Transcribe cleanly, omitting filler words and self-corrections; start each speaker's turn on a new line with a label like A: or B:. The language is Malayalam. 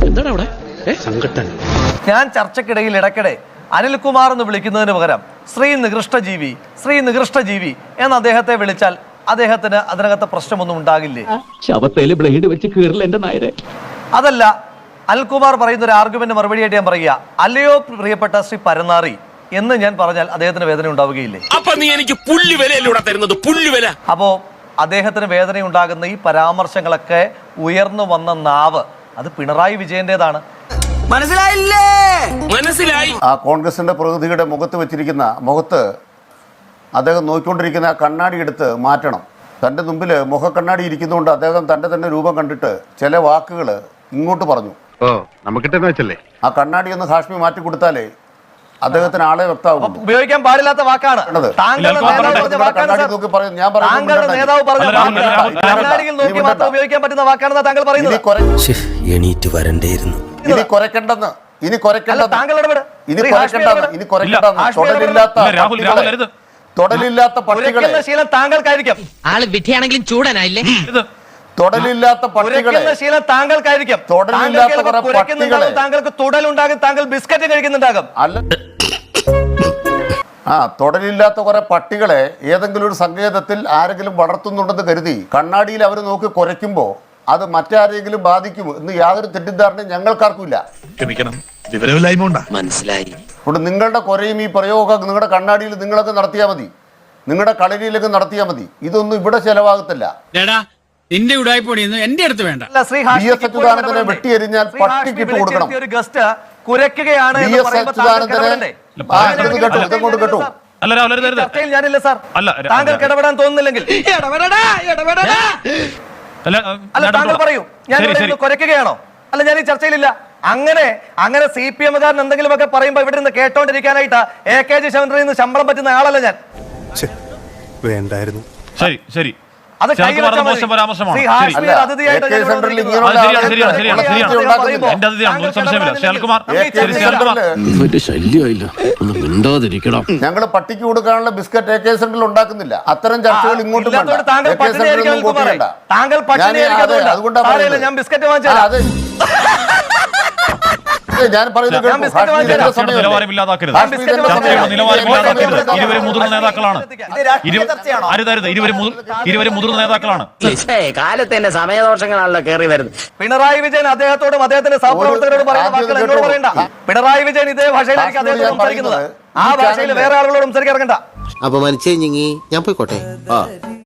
A: എന്താണ് അവിടെ സങ്കട്ടൻ?
B: ഞാൻ ചർച്ചക്കിടയിൽ ഇടയ്ക്കിടെ അനിൽകുമാർ എന്ന് വിളിക്കുന്നതിന് പകരം ശ്രീ നികൃഷ്ടജീവി എന്ന് അദ്ദേഹത്തെ വിളിച്ചാൽ അദ്ദേഹത്തിന് അതിനകത്ത് പ്രശ്നമൊന്നും ഉണ്ടാകില്ലേ?
A: ശവത്തേല് ബ്ലേഡ് വെച്ച് കീറില്ല എന്റെ നായരെ.
B: അതല്ല, അനിൽകുമാർ പറയുന്ന ഒരു ആർഗ്യുമെന്റ് മറുപടിയായിട്ട് ഞാൻ പറയുക, അല്ലയോ പ്രിയപ്പെട്ട ശ്രീ പരനാറി എന്ന് ഞാൻ പറഞ്ഞാൽ അദ്ദേഹത്തിന് വേദന ഉണ്ടാവുകയില്ലേ? അപ്പോ അദ്ദേഹത്തിന് വേദന ഉണ്ടാകുന്ന ഈ പരാമർശങ്ങളൊക്കെ ഉയർന്നു വന്ന നാവ് അത് പിണറായി വിജയന്റേതാണ്.
C: മനസ്സിലായി. ആ കോൺഗ്രസിന്റെ പ്രതിനിധിയുടെ മുഖത്ത് അദ്ദേഹം നോക്കിക്കൊണ്ടിരിക്കുന്ന ആ കണ്ണാടി എടുത്ത് മാറ്റണം. തൻ്റെ മുമ്പിൽ മുഖക്കണ്ണാടി ഇരിക്കുന്നതുകൊണ്ട് അദ്ദേഹം തൻ്റെ തന്നെ രൂപം കണ്ടിട്ട് ചില വാക്കുകൾ ഇങ്ങോട്ട് പറഞ്ഞു. ആ കണ്ണാടി ഒന്ന് ഹാഷ്മി മാറ്റി കൊടുത്താലേ അദ്ദേഹത്തിന് ആളെ വ്യക്തമാകും.
B: ഉപയോഗിക്കാൻ പാടില്ലാത്ത വാക്കാണ്. ഉപയോഗിക്കാൻ പറ്റുന്ന വാക്കാണെന്ന് താങ്കൾ പറയുന്നത്.
D: എണീറ്റ് വരണ്ടേയിരുന്നു.
C: ഇനി കുറയ്ക്കണ്ടെന്ന് തൊടലില്ലാത്ത പട്ടികളെ
B: ശീലം താങ്കൾക്കായിരിക്കും.
E: ആള് വിധിയാണെങ്കിലും ചൂടനായില്ലേ?
C: തൊടലില്ലാത്ത പട്ടികളെ
B: ശീലം താങ്കൾക്കായിരിക്കും. താങ്കൾക്ക് തുടലുണ്ടാകും, താങ്കൾ ബിസ്ക്കറ്റ് കഴിക്കുന്നുണ്ടാകും.
C: അല്ല, തൊടലില്ലാത്ത കുറെ പട്ടികളെ ഏതെങ്കിലും ഒരു സങ്കേതത്തിൽ ആരെങ്കിലും വളർത്തുന്നുണ്ടെന്ന് കരുതി കണ്ണാടിയിൽ അവർ നോക്കി കുറയ്ക്കുമ്പോ അത് മറ്റാരെങ്കിലും ബാധിക്കും എന്ന് യാതൊരു തെറ്റിദ്ധാരണയും ഞങ്ങൾക്കാർക്കുമില്ല.
E: മനസ്സിലായി.
C: അതുകൊണ്ട് നിങ്ങളുടെ കുറയും ഈ പ്രയോഗമൊക്കെ നിങ്ങളുടെ കണ്ണാടിയിൽ നിങ്ങളൊക്കെ നടത്തിയാൽ മതി, നിങ്ങളുടെ കളരിയിലൊക്കെ നടത്തിയാൽ മതി. ഇതൊന്നും ഇവിടെ ചെലവാകത്തില്ല.
F: നിന്റെ ഉടായ്പൊടിയൊന്നും എന്റെ അടുത്ത് വേണ്ട.
C: അച്യുതാനന്ദനെ വെട്ടിയെരിഞ്ഞാൽ പട്ടിക്കിട്ട് കൊടുക്കണം.
B: ഞാനില്ല സാർ, താങ്കൾക്ക് ഇടപെടാൻ തോന്നുന്നില്ലെങ്കിൽ അല്ല താങ്കൾ പറയൂ, ഞാൻ കുരയ്ക്കുകയാണോ? അല്ല, ഞാൻ ഈ ചർച്ചയിലില്ല. അങ്ങനെ CPM കാരൻ എന്തെങ്കിലുമൊക്കെ പറയുമ്പോ ഇവിടെ നിന്ന് കേട്ടോണ്ടിരിക്കാനായിട്ടാ AKG ശവന്ത്രയിൽ നിന്ന് ശമ്പളം പറ്റുന്ന ആളല്ല ഞാൻ.
G: വേണ്ടായിരുന്നു.
B: അത്
C: ഞങ്ങൾ പട്ടിക്ക് കൊടുക്കാനുള്ള ബിസ്ക്കറ്റ് AK സെന്ററിൽ ഉണ്ടാക്കുന്നില്ല. അത്തരം ചർച്ചകൾ ഇങ്ങോട്ടും
B: താങ്കൾ അതുകൊണ്ടാണ് ഞാൻ ബിസ്ക്കറ്റ് വാങ്ങിച്ചത്.
C: ഞാൻ പറയുന്നത്
E: കാലത്ത് തന്നെ സമയദോഷങ്ങളാണല്ലോ കയറി വരുന്നത്.
B: പിണറായി വിജയൻ അദ്ദേഹത്തോടും അദ്ദേഹത്തിന്റെ സഹപ്രവർത്തകരോടും പറയുന്ന വാക്കുകൾ എന്നോട് പറയണ്ട. പിണറായി വിജയൻ ഇതേ ഭാഷയിലായിരിക്കും അദ്ദേഹത്തോട് സംസാരിക്കുന്നത്. ആ ഭാഷയിൽ വേറെ ആളുകളോട് സംസാരിക്കാൻ ഇറങ്ങണ്ട.
D: അപ്പൊ മനസ്സിലായി, ഞാൻ പോയിക്കോട്ടെ.